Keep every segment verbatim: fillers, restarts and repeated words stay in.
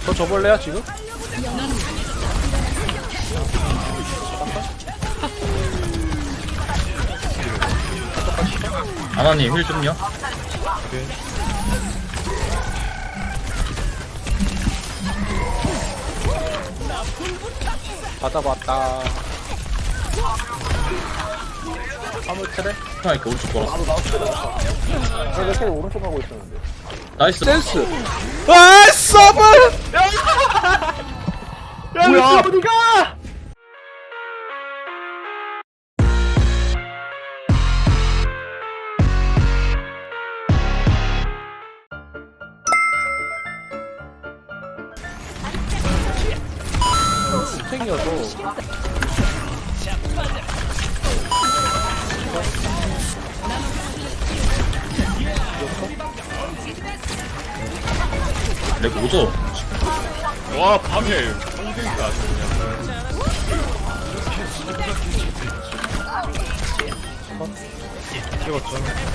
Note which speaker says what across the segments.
Speaker 1: 더 줘볼래요 지금?
Speaker 2: 아나님 힐 좀요.
Speaker 3: 오케이.
Speaker 1: 받아봤다. 화물 트레?
Speaker 2: 아 이렇게 오른쪽 돌았어.
Speaker 4: 내가 계속 오른쪽 가고 있었는데.
Speaker 2: 나이스.
Speaker 1: 센스. 아 서브!
Speaker 4: 야, 뭐야? 어디가?
Speaker 1: 생겨도
Speaker 2: 렉 오죠.
Speaker 3: 와, 밤에 홍대가 아주 그냥. 찍었죠.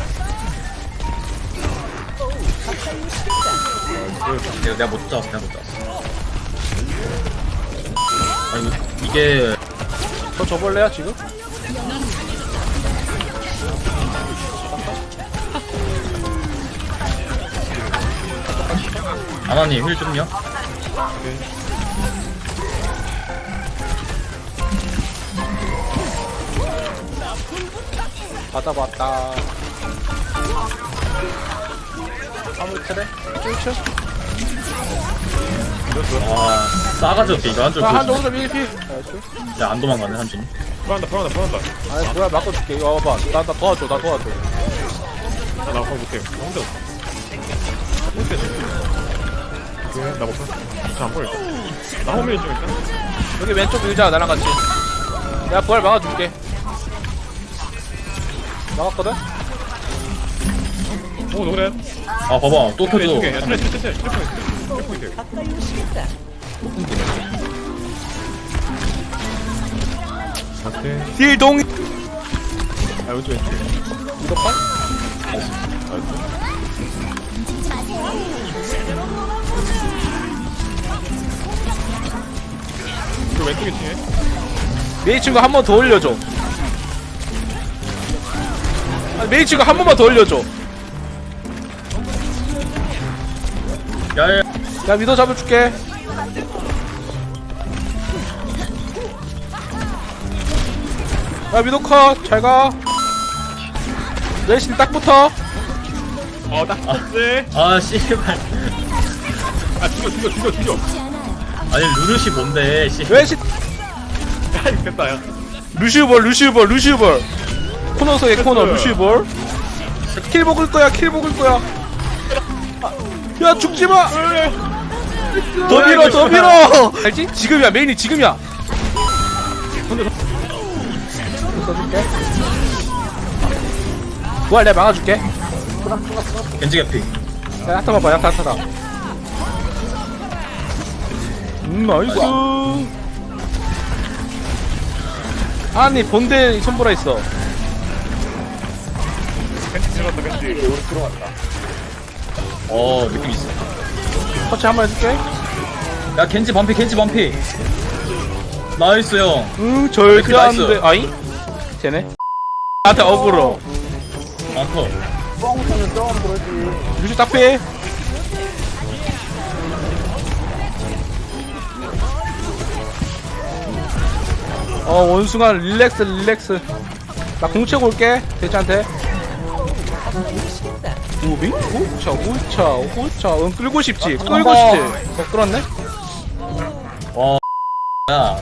Speaker 2: 내가 내가 못 잡았어. 내가 못 잡았어. 아 이거 이게
Speaker 1: 더 줘볼래요 지금?
Speaker 2: 아나님 힐 좀요.
Speaker 3: 오케이.
Speaker 1: 받아봤다. 화물 트레? 쫄쳐?
Speaker 2: 아 싸가지 없게 이거 한줄
Speaker 1: 아, 한
Speaker 2: 보여주네.
Speaker 1: 정도 일 피. 나이스.
Speaker 2: 야안 도망가네 한줄.
Speaker 3: 풀한다, 풀한다, 풀한다.
Speaker 1: 아니 뭐야 바꿔줄게. 이거 와봐. 나, 나 도와줘. 나 도와줘.
Speaker 3: 아, 나 그거 못해. 나 혼자 없어. 못해, 오케이, 나 못해. 잘안 보여. 나 홈에 좀 있다.
Speaker 1: 여기 왼쪽 밀자 나랑 같이. 내가 부활 막아줄게. 막았거든?
Speaker 3: 오, 노래.
Speaker 2: 아 봐봐 또 터져.
Speaker 3: 야, 트레, 트레, 트레, 트레, 트레 포인트. 오케이.
Speaker 1: 딜동.
Speaker 3: 아, 왼쪽, 왼쪽.
Speaker 1: 이거 봐?
Speaker 3: 그 왼쪽에 팀에.
Speaker 1: 메이 친구 한 번 더 올려줘. 아, 메이 친구 한 번만 더 올려줘.
Speaker 2: 야야.
Speaker 1: 야 미더 잡아줄게. 야 미더 컷. 잘가. 내신 딱 붙어.
Speaker 3: 어, 딱 봤지.
Speaker 2: 아 씨발.
Speaker 3: 아, 죽여, 죽여, 죽여, 죽여.
Speaker 2: 아니 루르시 뭔데 씨.
Speaker 1: 내신
Speaker 3: 야, 이거 됐다, 야.
Speaker 1: 루시우볼 루시우볼 루시우볼. 코너 속에 코너 루시우볼. 킬 먹을 거야 킬 먹을 거야. 야 죽지 마. 더 밀어 더 밀어. 알지? 지금이야 메인이 지금이야. 써줄게. 뭐야 내가 막아줄게.
Speaker 2: 겐지 개피.
Speaker 1: 야 야타 봐봐 야타 야타다. 음 나이스. 아니 본대 손보라 있어.
Speaker 3: 벤치 들어갔다, 벤치.
Speaker 4: 우리 들어갔다.
Speaker 2: 어 느낌 있어.
Speaker 1: 터치 한번 해줄게.
Speaker 2: 야 겐지 반피 겐지 반피. 나이스 형.
Speaker 1: 응 절대
Speaker 2: 나이스.
Speaker 1: 안돼. 아이? 쟤네? 나한테 어그로.
Speaker 2: 안터.
Speaker 4: 뻥쳐는 뻥 그러지.
Speaker 1: 루시 딱피. 어 원숭아 릴렉스 릴렉스. 나 공채고 올게 대체한테. 우비? 오차 오차 오차. 응 끌고 싶지 끌고 싶지. 어 끌었네?
Speaker 2: 와. 야.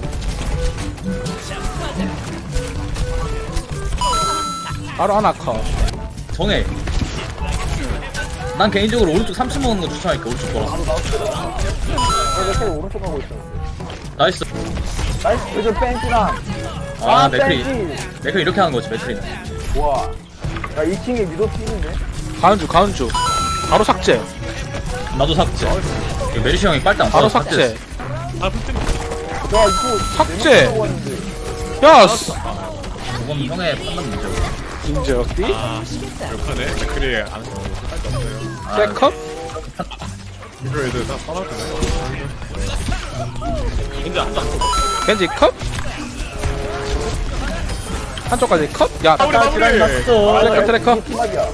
Speaker 1: 바로 하나 컷.
Speaker 2: 정해. 난 개인적으로 오른쪽 삼 층 먹는 거 추천할게. 오른쪽 돌아.
Speaker 4: 내가 계속 오른쪽 가고 있었는데.
Speaker 2: 나이스.
Speaker 4: 나이스, 요즘 뺑치랑.
Speaker 2: 아 맥크리.
Speaker 4: 뺑치.
Speaker 2: 맥크리 이렇게 하는 거지 맥크리는.
Speaker 4: 와. 야, 이 층에 미도 뛰는데?
Speaker 1: 가는 중 가는 중. 바로 삭제.
Speaker 2: 나도 삭제. 이거 메리시 형이 빨대 안
Speaker 1: 바로
Speaker 2: 써서
Speaker 1: 삭제.
Speaker 3: 아, 풀
Speaker 4: 야, 이거.
Speaker 1: 삭제.
Speaker 4: 내가 들어가고 왔는데.
Speaker 1: 야 씨.
Speaker 2: 그건 형의 판단 문제고.
Speaker 1: 인적디.
Speaker 3: 아, 욕하네. 맥크리 안 할수 없어요.
Speaker 1: 세컨?
Speaker 3: 이거 애들 다 싸놨잖아. 근데 안 땄어.
Speaker 1: 겐지 컷. 한쪽까지 컷. 야
Speaker 3: 우리 마무리.
Speaker 1: 트래커 트래커.
Speaker 4: 팀막이야.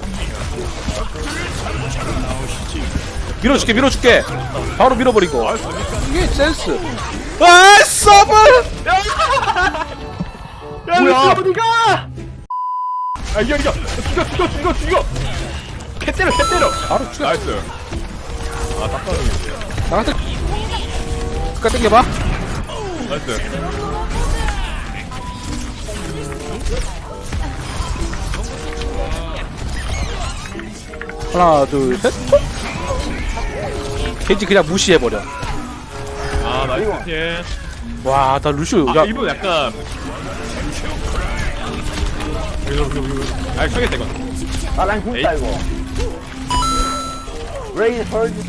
Speaker 1: 밀어줄게 밀어줄게. 바로 밀어버리고. 이게 센스. 아 서브.
Speaker 3: 야,
Speaker 4: 뭐야?
Speaker 3: 어디가? 아, 이겨, 이겨. 죽여, 죽여, 죽여, 죽여. 캣 때려, 캣 때려.
Speaker 1: 바로 죽여.
Speaker 3: 나이스. 아, 딱 봐도
Speaker 1: 나한테 끝까지 당겨봐.
Speaker 3: 나이스.
Speaker 1: 하나 둘 셋. 톡. 겐지 그냥 무시해버려.
Speaker 3: 아, 나이스. 예.
Speaker 1: 와 나 루시오.
Speaker 3: 아,
Speaker 1: 야
Speaker 3: 이분 약간. 이거, 이거, 이거. 아, 쳐야겠다, 이건.
Speaker 4: 아난 굶다 이거. 레이 헐즈.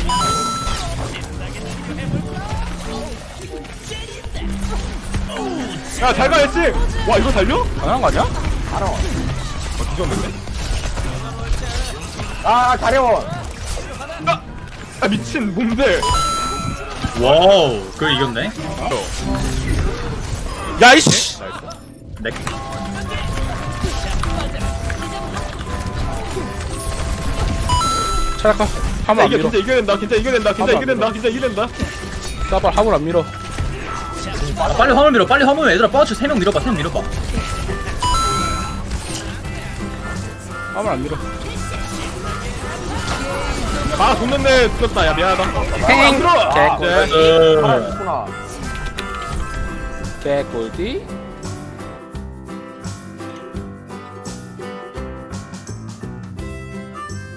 Speaker 3: 야, 잘 가, 했지? 와, 이거 달려?
Speaker 1: 당연한 거 아니야?
Speaker 4: 알아.
Speaker 3: 어, 뒤졌는데?
Speaker 4: 아 가려워.
Speaker 3: 아, 아 미친, 뭔데?
Speaker 2: 와우 그거 이겼네.
Speaker 3: 어,
Speaker 1: 야이씨.
Speaker 3: 나이스.
Speaker 2: 네.
Speaker 1: 차라카 화물 안
Speaker 3: 이게
Speaker 1: 밀어.
Speaker 3: 진짜 이겨낸다, 진짜 이겨낸다, 진짜
Speaker 1: 한번
Speaker 3: 이겨낸다, 진짜 이겨낸다.
Speaker 1: 따발 화물 안 밀어.
Speaker 2: 아, 빨리 화물 밀어 빨리 화물 밀어. 얘들아 빠져 세 명 밀어봐 세 명 밀어봐.
Speaker 1: 화물 안 밀어.
Speaker 3: 아, 돕는데 죽였다. 야, 미안하다.
Speaker 1: 행.
Speaker 3: 들어!
Speaker 1: 개꿀.
Speaker 3: 네.
Speaker 4: 하나
Speaker 2: 어.
Speaker 4: 있구나.
Speaker 1: 개꿀띠.